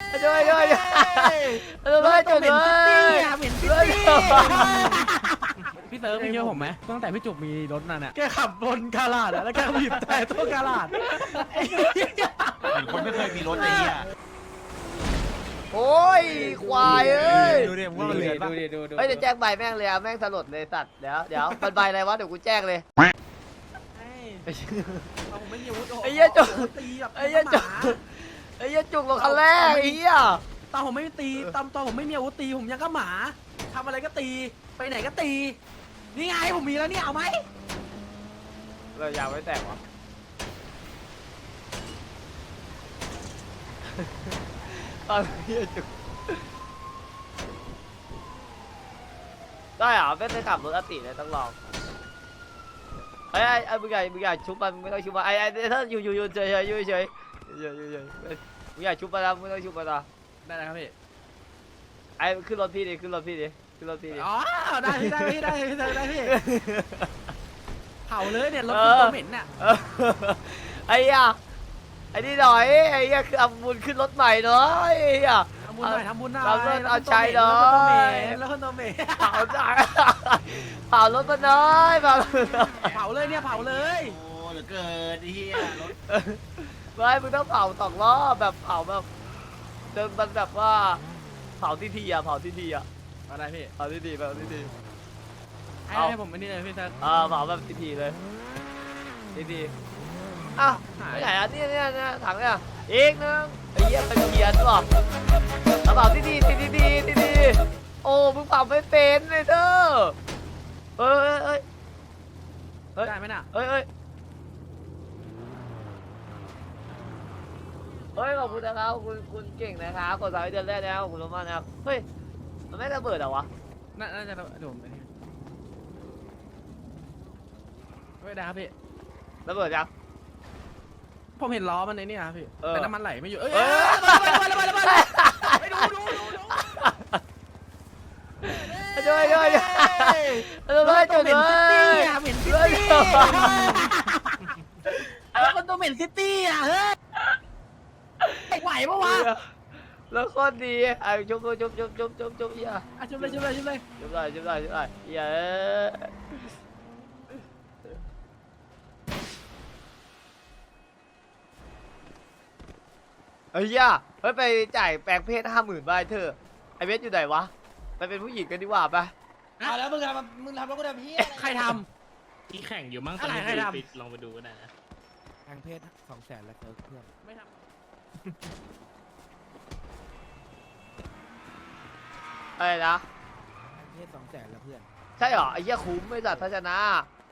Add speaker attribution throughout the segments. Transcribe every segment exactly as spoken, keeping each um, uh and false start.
Speaker 1: ช่วยช่วยช่วยจุกเลยเหม็นซิตี้
Speaker 2: พี่เติร์ฟพี่เชื่อผมไหมตั้งแต่พี่จุกมีรถนั่นน่ะแกขับบนกาลาดแล้วแกบีบแต่ตัวกาลาด
Speaker 3: เหมือนคนไม่เคยมีรถไอ้เหี้ย
Speaker 1: โอ้ยควายเอ้ย
Speaker 3: ดูดิมึงว่ามันเหลือปะ
Speaker 1: เฮ้ยเดี๋ยวแจ้งใบแม่งเลยอะแม่งสลดเลยสัตว์เดี๋ยวเดี๋ยวมันใบอะไรวะเดี๋ยวกูแจ้งเลย
Speaker 2: ผมไม่มีอาวุธ
Speaker 1: ไอ้เหี้ยจุก
Speaker 2: ตีแบบ
Speaker 1: ไอ้เหี้ยจุกไอ้เหี้ยจุกลงคันแรกไอ้เหี้ย
Speaker 2: ตอนผมไม่ตีตอนตอนผมไม่มีอาวุธตีผมยังก็หมาทำอะไรก็ตีไปไหนก็ตีนี่ไงผมมีแล้วเนี่ยเอาไหม
Speaker 1: เรายาวไม่แตกวะตอนเหี้ยจุกได้เหรอไม่ได้ขับรถอติเลยต้องลองไอ้ไอ้ไอ้มึงใหญ่มึงใหญ่ชุบมันไม่ต้องชุบมันไอ้ไอ้ถ้าอยู่อยู่อยู่เฉยเฉยอยู่เฉยอยู่อยู่อยู่มึงใหญ่ชุบมันนะไม่ต้องชุบมันนะ
Speaker 2: ได้แล้วครับพี่
Speaker 1: ไอ้ขึ้นรถพี่ดิขึ้นรถพี่ดิขึ้นรถพี่ดิ
Speaker 2: อ๋อได้พี่ได้พี่ได้พี่ได้ได้พี่เผาเลยเนี่ยรถคุณตัวเหม็นน่ะ
Speaker 1: ไอ้เหี้ยไอ้นี่หน่อยไอ้เหี้ยคือเอาบุญขึ้นรถใหม่หน่อยไอ้เหี้ย
Speaker 2: ทำบุญหน่อยทำบุญหน่อย
Speaker 1: เราเลิกเอาใจหน่อย
Speaker 2: แล้วคนตัวเหม็น
Speaker 1: เผาหน่อยเผารถมาหน่อยเผา
Speaker 2: เผาเลยเนี่ยเผาเลย
Speaker 3: โอ้เหลือเกินไอ้เหี้ยรถ
Speaker 1: ไม่มึงต้องเผาสองรอบแบบเผาแบบจนมันแบบว่าเผาที่ทีอะเผาที่ทีอะ
Speaker 2: อะไรพี่
Speaker 1: เผาที่ทีแบบที่ที
Speaker 2: ให้ให้ผมอันนี้เลยพี่เซิร์ฟ
Speaker 1: อ่าเผาแบบที่ทีเลยที่ทีอ้าว
Speaker 2: หาย
Speaker 1: ไม่ใช่อันนี้เนี่ยเนี่ยถังเนี่ยอีกนึงไอ้เหี้ยเป็นเกียร์หรอเอาเผาที่ทีที่ทีที่ทีโอ้มึงเผาไม่เป็นเลยเด้อเอ้ยเอ้ยเอ้ย
Speaker 2: ได้ไหมน่ะ
Speaker 1: เอ้ยเอ้ยเฮ้ยขอบคุณนะครับคุณคุณเก่งนะครับกดสายเดือนแรกแล้วขอบคุณมากนะครับเฮ้ยมันไม่ระเบิดเหรอวะ
Speaker 2: น่าน่าจะโดนไปนี่ไม่ได้ครับพี่
Speaker 1: ระเบิดยัง
Speaker 2: ผมเห็นล้อมันในนี่ครับพี่
Speaker 1: เออ
Speaker 2: แต่น้ำมันไหลไม่อยู่เอ้ย
Speaker 1: เอ้ย
Speaker 2: ระเบิดระเบิดระเบิดระเบิดไปดูดูดูดู
Speaker 1: ช่วยช่วยช่วยจุดเลย
Speaker 2: เหม็นซิตี้แล้วคนตัวเหม็นซิตี้อ่ะเฮ้ยไหวปะวะ
Speaker 1: แล้วโคตรดีไอ้จุ๊บจุ๊บจุ๊บจุ๊บจุ๊บจุ๊บเฮีย
Speaker 2: อ่ะชุบเลยชุบเลยชุบเลย
Speaker 1: จุ๊บได้จุ๊บได้จุ๊บได้เฮียเฮ้ยเฮียเฮ้ยไปจ่ายแปลงเพศห้าหมื่นใบเธอไอเวสอยู่ไหนวะไปเป็นผู้หญิงกันดีกว่าไป
Speaker 3: เอาแล้วมึงทำมึงทำแล้วกูทำเหี้ย
Speaker 2: ใครท
Speaker 4: ที่แข่งอยู่มั้งตอนนี้
Speaker 2: อะไรใครทำ
Speaker 4: ปิดลองไปดูก็ได้นะ
Speaker 2: ำทางเพศสองแสนแล้วเพื่อนไม่ทำ
Speaker 1: อะไรนะ
Speaker 2: ทางเพศสองแสนแล้วเพื่อน
Speaker 1: ใช่เหรอไอ้เหี้ยคุ้มไม่จัดทัศนะ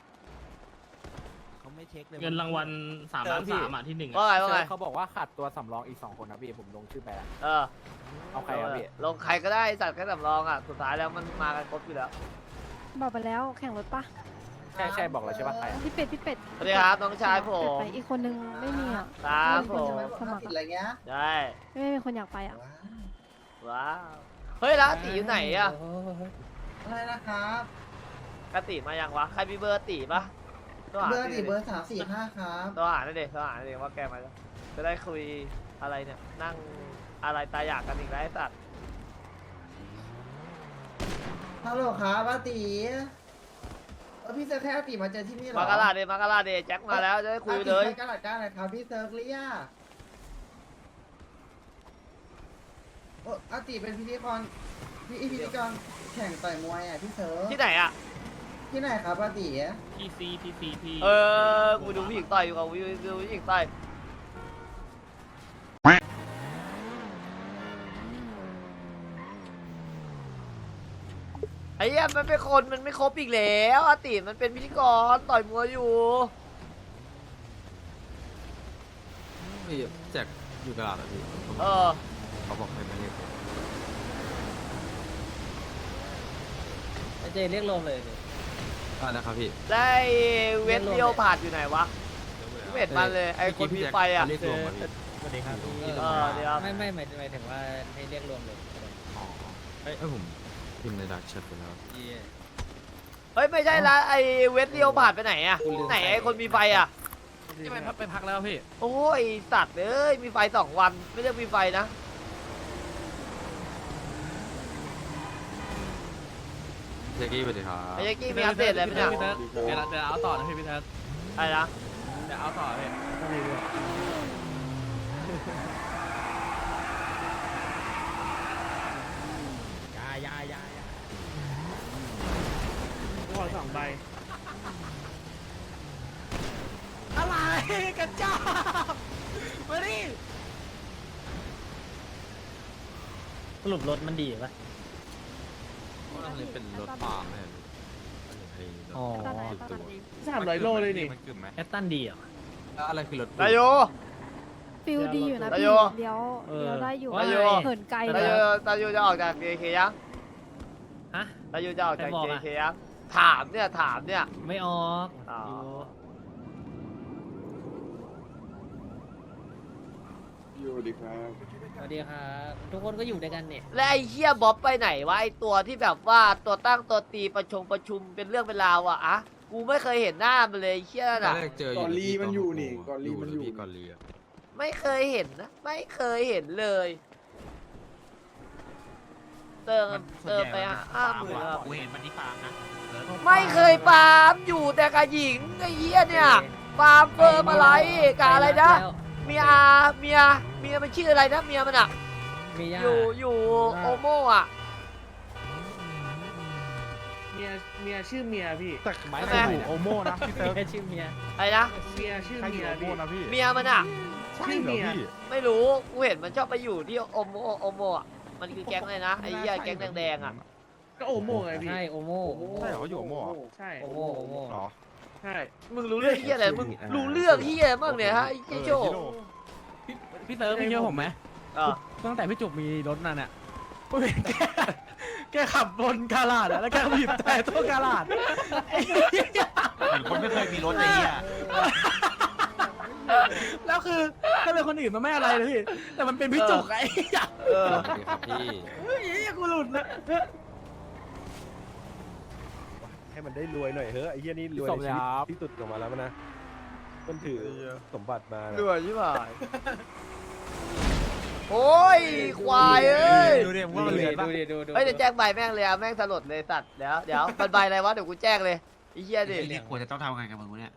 Speaker 2: เขาไม่เช็คเลย
Speaker 4: เงินรางวัลสามล้านสามอ่ะที่หนึ่ง
Speaker 1: ว่า
Speaker 4: อ่ะ
Speaker 1: ไงว่าไง
Speaker 5: เขาบอกว่าขาดตัวสำรองอีกสองคนนะพี่ผมลงชื่อไปแล้ว
Speaker 1: เออ
Speaker 5: เอาใครครับพี่
Speaker 1: ลงใครก็ได้จัดแค่สำรองอ่ะสุดท้ายแล้วมันมากันครบอยู่แล้ว
Speaker 6: บอกไปแล้วแข่งรถปะ
Speaker 5: ใช่ใช่บอกแล้วใช่ปะใครอะ
Speaker 6: พี่เป็ดพี่เป็ด
Speaker 1: สวัสดีครับน้องชายผ
Speaker 6: เป็ด
Speaker 1: ม
Speaker 6: ไปอีกคนนึงไม่มีอ่ะ
Speaker 1: ครับผ
Speaker 6: ไม่
Speaker 1: ม
Speaker 6: มีคนจะมาสมัคร
Speaker 7: อะไรเงี้ย
Speaker 1: ได้
Speaker 6: ไม่มีคนอยากไปอ่ะ
Speaker 1: ว้าวเฮ้ยแล้วตีอยู่ไหนอ่ะ
Speaker 7: อะไรนะครับ
Speaker 1: กติมายังวะใครมีเบอร์ตีปะตัวหา
Speaker 7: เบอร์
Speaker 1: ดิ
Speaker 7: สี่เบอร์สามสี่ห้าครับ
Speaker 1: ตัวหาหน่อยดิตัวหาหน่อยดิว่าแกมาแล้วจะได้คุยอะไรเนี่ยนั่งอะไรตายอยากกันอีกแล้วไอ้สัตว์
Speaker 7: ฮัลโหลครับอาตีเออพี่เซิร์ฟแค่อาตีมาเจอที่นี่เหรอ
Speaker 1: มากาลาเดมากาลาเดแจ็คมาแล้วจะได้คุยเลย
Speaker 7: อาตีใช้กระดาษก้านอะไรครับพี่เซิร์ฟเรียกโอ้อาตีเป็นพิธีกรพี่พิธีกรแข่งต่อยมวยอ่ะพี่เซิร์ฟ
Speaker 1: ที่ไหนอ่ะ
Speaker 7: ที่ไหนครับอาตี
Speaker 4: ทีซีทีซีที
Speaker 1: เออกูดูผู้หญิงต่อยอยู่กับกูดูผู้หญิงต่อยไอ้เหี้ยมันเป็นคนมันไม่ครบอีกแล้วอาติมันเป็นพิธีกรต่อยมวยอยู่
Speaker 8: พี่แจ็คอยู่ตลาดอ่ะพี่
Speaker 1: เออ
Speaker 8: เขาบอกให้มาเรียก
Speaker 5: เจเรียกลมเลย
Speaker 8: อ่านะครับพี่
Speaker 1: ได้เวทเดียวผ่านอยู่ไหนวะไม่เห็นมันเลยไอ้คนมีไฟอ่ะ
Speaker 8: เรียกรวมมาพี่
Speaker 5: สวัสดีครับ
Speaker 1: เออเดี๋ยว
Speaker 5: ไม่ไม่หมายหมายถึงว่าให้เรียกรวมเลย
Speaker 8: อ๋อเอ้ยผมพิมพ์ในดักแชทไปแล้ว
Speaker 1: เฮ้ยไม่ใช่ละไอ้เวทเดียวผ่านไปไหนอ่ะไหนไอ้คนมีไฟอ่ะ
Speaker 2: ที่ไปพักไปพักแล้วพี่
Speaker 1: โอ้ยสัตว์เอ้ยมีไฟสองวันไม่เรียกมีไฟนะ
Speaker 8: เจกี้สวัสดีครับ
Speaker 1: ไอ้ยักกี้มีอัปเดตอะไรไหมเนี่ย
Speaker 5: เดี๋ยวเดี๋ยวเอาต่อนะพี่พี่เทิร์
Speaker 1: อะไรนะ
Speaker 5: เดี๋ยวเอาต่อพี่ ยายายายา
Speaker 4: ขอสองใบ
Speaker 2: อะไรกระจอกมาดิ
Speaker 5: สรุปรถมันดีปะ
Speaker 8: อันนี้เป็นรถปาล์มเนี่ยไอ้รถ
Speaker 5: อ๋อ
Speaker 6: ตอนไหนตอนไหน
Speaker 4: สามร้อยโลเลยนี่
Speaker 8: มันกึ่มไหม
Speaker 5: แอตตันดีเหรอ
Speaker 8: แล้วอะไรคือรถ
Speaker 1: นายโย
Speaker 6: ฟิลดีอยู่นะ
Speaker 1: นาย
Speaker 6: พี่
Speaker 1: โย
Speaker 6: เลี้ยว
Speaker 5: เออ
Speaker 6: เลี้ยวได้อยู่
Speaker 1: นายโย
Speaker 6: เหินไกล
Speaker 1: ตา
Speaker 6: เลย
Speaker 1: โยตาโยจะออกจาก เค เค ยัง
Speaker 5: ฮะ
Speaker 1: ตาโยจะออกจาก
Speaker 5: ใครบอก
Speaker 1: เค
Speaker 5: อะ
Speaker 1: เค ยังถามเนี่ยถามเนี่ย
Speaker 5: ไม่ออก
Speaker 1: อ๋อ
Speaker 5: อยู่สวัสดีครับสวัสดีครับทุกคนก็อยู่ด้วยกันเนี่ย
Speaker 1: และไอ้เหี้ยบ๊อบไปไหนวะไอ้ตัวที่แบบว่าตัวตั้งตัวตีประชงประชุมเป็นเรื่องเป็นราวอะอะกูไม่เคยเห็นหน้ามันเลยไอ้เหี้ย
Speaker 8: ตอ
Speaker 1: น่ะ
Speaker 8: นแรกเจออยู่
Speaker 9: ก่อนลีมันอยู่นี่ก่อนลี
Speaker 8: อยู่
Speaker 9: มันอยู่
Speaker 8: พี่ก่อนลีอะ
Speaker 1: ไม่เคยเห็นนะไม่เคยเห็นเลย เติมเติมไปห้าหมื่น
Speaker 3: กูเห็นมันที่ฟาร์มนะ
Speaker 1: ไม่เคยฟาร์มอยู่แต่กับหญิงไอ้เหี้ยเนี่ยฟาร์มเฟิร์มอะไรกับอะไรนะ เมียเมียเมียมันชื่ออะไรนะเมียมันอะ
Speaker 5: มีย่า
Speaker 1: อยู่อยู่โอโม่อะ
Speaker 4: เมียเมียชื่อเมียพี่
Speaker 9: แต่หมาย
Speaker 1: ทำ
Speaker 9: ถึ
Speaker 1: ไม
Speaker 9: งโอโม่นะพี่เติร์ก
Speaker 5: แค่ชื่อเมีย
Speaker 1: อะไรนะ
Speaker 4: เมียชื่อ
Speaker 9: ใครอ
Speaker 4: เมี
Speaker 9: ยู่
Speaker 4: ย
Speaker 9: โอโม่
Speaker 4: พี่
Speaker 9: นะพี่
Speaker 1: เมียมันอะ
Speaker 9: ใช่เหรอพี่
Speaker 1: ไม่รู้กูเห็นมันชอบไปอยู่ที่โอโมโอโมอะมันคือแก๊งอะไรนะไอ้เหี้ยแก๊งแดงๆอะ
Speaker 4: ก็โอโม่ไงพี่
Speaker 5: ใช่โอโม
Speaker 9: ใช่เหรอเขาอยู่โอโม่เหรอ
Speaker 4: ใช่
Speaker 5: โอโมโอโม
Speaker 9: เหรอ
Speaker 4: ใช่
Speaker 1: มึงรู้เรื่องเหี้ยอะไรมึงรู้เรื่องเหี้ยบ้างเนี่ยฮะไอ้
Speaker 9: เอ
Speaker 1: เหี้ย
Speaker 9: อ
Speaker 1: โช
Speaker 9: ชิ
Speaker 1: ว์
Speaker 9: โร่
Speaker 5: พี่เติร์พี่เชื่อผมไหม
Speaker 1: อ่ะ
Speaker 5: ตั้งแต่พี่จุกมีรถนั่นอ่ะ
Speaker 2: ผมเห็นแกแกขับบนกาลาดอะแล้วแกก็บีบแต่ตัวกาลาด
Speaker 3: เหมือนคนไม่เคยมีรถไอ้เหี้ย
Speaker 2: แล้วคือถ้าเป็นคนอื่นมันไม่อะไรเลยพี่แต่มันเป็นพี่จุกไอ้เหี้ย
Speaker 1: เออ
Speaker 8: สวัสดีครับพี่
Speaker 2: เฮ้ยกูหลุดนะ
Speaker 9: ให้มันได้รวยหน่อยเฮ้ยไอ้เหี้ยนี่รวยในชีวิตที่สุดออกมาแล้วนะมันถือสมบัติมา
Speaker 1: เหนื่อยใช่ไหมโอ้ยควายเอ้ย
Speaker 5: ดูดิว่ามันเหลือดูดิดูดู
Speaker 1: เฮ้ยเดี๋ยวแจ้งใบแม่งเลยอะแม่งสลดเลยสัตว์เดี๋ยวเดี๋ยวมันใบอะไรวะเดี๋ยวกูแจ้งเลยไอ้เหี้ยดิ
Speaker 3: ไอ้นี่ควรจะต้องทำไงกับมึงวะเนี่ย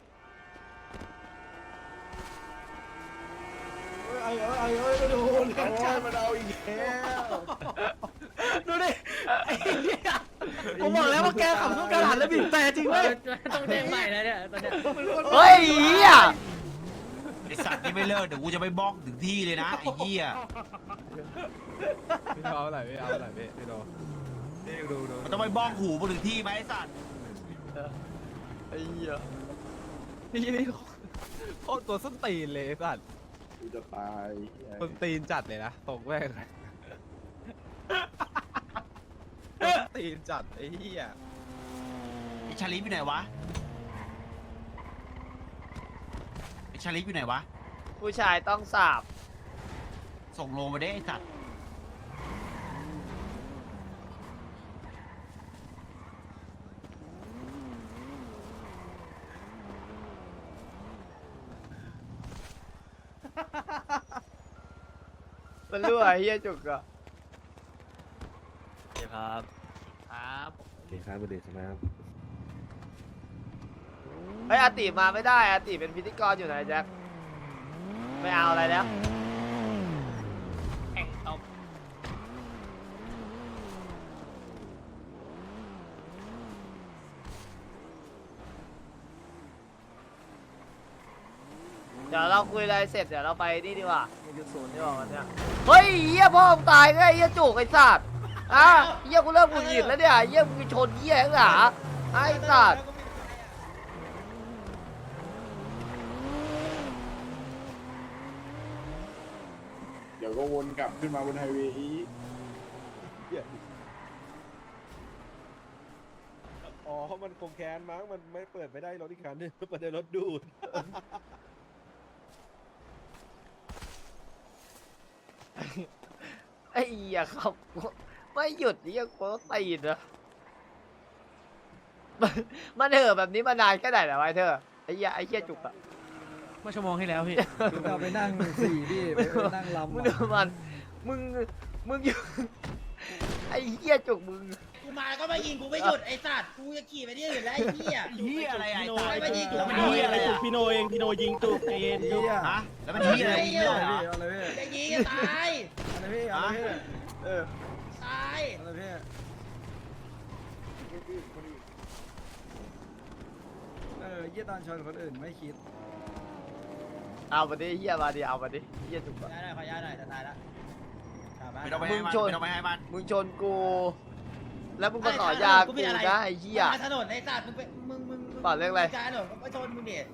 Speaker 9: ไอ้เอ้ยไอ้เอ้ยมาดูเลี้ยงชาติมาเอาอีกแล้ว
Speaker 2: ดูดิไอ้เหี้ยผมบอกแล้วว่าแกขับตัวกาลาดแล้วบีบแต่จริงเว้ย
Speaker 5: ต้องแจ้งใหม่แล้วเนี่ยตอนเนี้ย
Speaker 1: เฮ้ยไอ้เหี้ย
Speaker 3: ไอ้สัตว์นี่ไม่เลิกเดี๋ยวกูจะไปบล็อกถึงที่เลยนะไอ้เหี้ย
Speaker 8: พี่เอาอะไรพี่เอาอะไรพี่พี่โดพี่ดูดู
Speaker 3: มันต้องไปบล็อกหูมาถึงที่ไหมไอ้สัตว์
Speaker 1: ไอ้เหี้ย
Speaker 8: นี่นี่โคตรตัวส้นตีนเลยไอ้สัตว์
Speaker 9: กูจะตาย
Speaker 8: ส้นตีนจัดเลยนะตกแม่งส้นตีนจัดไอ้เหี้ย
Speaker 3: ไอ้ชาลิฟอยู่ไหนวะไอ้ชาลิฟอยู่ไหนวะ
Speaker 1: ผู้ชายต้องสาบ
Speaker 3: ส่งโลมาได้ไอ้สัตว์
Speaker 1: มันรั่วไอ้เหี้ยจุกอะ
Speaker 5: ครับ ครับ
Speaker 9: โอเคครับประเดี๋ยวใช่ไหมครับ
Speaker 1: เฮ้ยอาติมาไม่ได้อาติเป็นพิธีกรอยู่ไหนแจ็คไม่เอาอะไรแล้ว
Speaker 4: แข่งเอา
Speaker 1: เดี๋ยวเราคุยอะไรเสร็จเดี๋ยวเราไปนี่ดีกว่าหนึ่งจุดศูนย์ดีกว่าวันเนี้ยเฮ้ยเหี้ยพ่อมึงตายไงเหี้ยจุกไอ้สัตว์อ่ะเหี้ยกูเริ่มกูหยิดแล้วเนี่ยเหี้ยมึงชนเหี้ยข้างหลังไอ้สัตว์
Speaker 9: เดี๋ยวก็วนกลับขึ้นมาบนไฮเวย์อีกอ๋อมันคงแค้นมั้งมันไม่เปิดไม่ได้รถอีกคันนึงเปิดได้รถดูด
Speaker 1: ไอ้เหี้ยครับไม่หยุดเหี้ยกูตีนนะมันมันเถอะแบบนี้มานานแค่ไหนแล้วไอ้เธอไอ้เหี้ยไอ้เหี้ยจุกอะ
Speaker 5: เมื่อชั่วโมงที่แล้วพี่
Speaker 7: เราไปนั่งสี่พี่ไปนั่งลำ
Speaker 1: มึงดูมันมึงมึงอยู่ไอ้เหี้ยจุกมึง
Speaker 10: กูมาก็มายิงกูไม่หยุดไอ้สัตว์กูจะขี่ไปที่อื่นแล้วไอ้เหี้ย
Speaker 3: เฮียอะไรไอ้
Speaker 10: โด
Speaker 3: ตาย
Speaker 10: นไม่ยิง
Speaker 3: แล้วมันเฮียอะไรอ่ะ
Speaker 4: พี่โนเองพี่โนยิงตุกเย็น
Speaker 3: ฮะแล้วมันเฮียอะไรยิงเลยเหรอ
Speaker 10: จะยิงจะตาย
Speaker 9: อะไรพี่อะไรพี่เออ
Speaker 10: ตาย
Speaker 9: อะไรพี่เออเยี่ยตอนชนคนอื่นไม่คิด
Speaker 1: เอามาดิเหี้ยมาดิเอามาดิเหี้ยจุกอะ
Speaker 10: ย้ายหน่อยขอย้ายหน่อยจะตายแล้ว
Speaker 3: ไม่ต้องไปให้มันไม่ต้องไปให้มัน
Speaker 1: มึงชนกู แล้วมึงมาต่อยากูนะไอ้เหี้ย
Speaker 10: มาถนนไอ้สัตว์มึงไปมึงมึง
Speaker 1: เปล่าเรื่องอะไร
Speaker 10: การถนนก็ชนมึงเนี่ย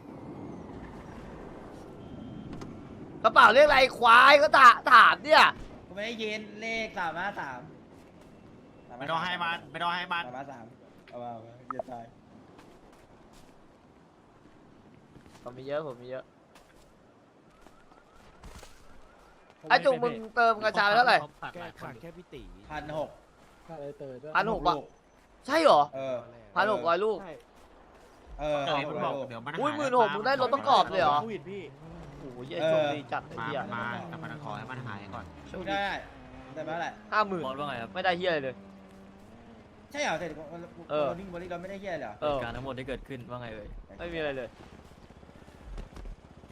Speaker 1: กระเป๋าเรียกอะไรควายก็ถาถามเนี่ย
Speaker 10: กูไม่ได้ยินเลขสามห้าสาม
Speaker 3: ไม่ต้องให้มันไม่ต้องให้มัน
Speaker 10: สามห้าสามเอามาเอามาอย่าตาย
Speaker 1: ผมมีเยอะผมมีเยอะไอ้จุกมึงเติมกระชาไปเท่าไหร่
Speaker 9: แก้ขาดแค่พี่ตี
Speaker 10: พันหก
Speaker 1: พันหกบาทใช่เหรอ
Speaker 10: เออ
Speaker 1: พันหกร้อยลูก
Speaker 10: เออ
Speaker 3: เดี๋ยวมันบอกเดี๋ยวมัน
Speaker 1: อุ้ยหมื่นหกมึงได้รถประกอบเลยเหรอ
Speaker 4: โควิดพี่
Speaker 1: โอ้โหเหี้ยโชคดีจัดไอ้
Speaker 3: มา
Speaker 1: เหี้ย
Speaker 3: มาแต่มันขอให้มันหายก่อน
Speaker 10: ดูได้ได้ไหมแหละ
Speaker 1: ห้าหมื่นไม่ได้เหี้ยอะไรเลย
Speaker 10: ใช่เหรอเสร็จ
Speaker 1: เออ
Speaker 10: วิ่งบอลลี่เราไม่ได้เฮี้ยเหรอ
Speaker 1: เออการทั้งหมดที่เกิดขึ้นว่าไงเอ่ยไม่มีอะไรเลย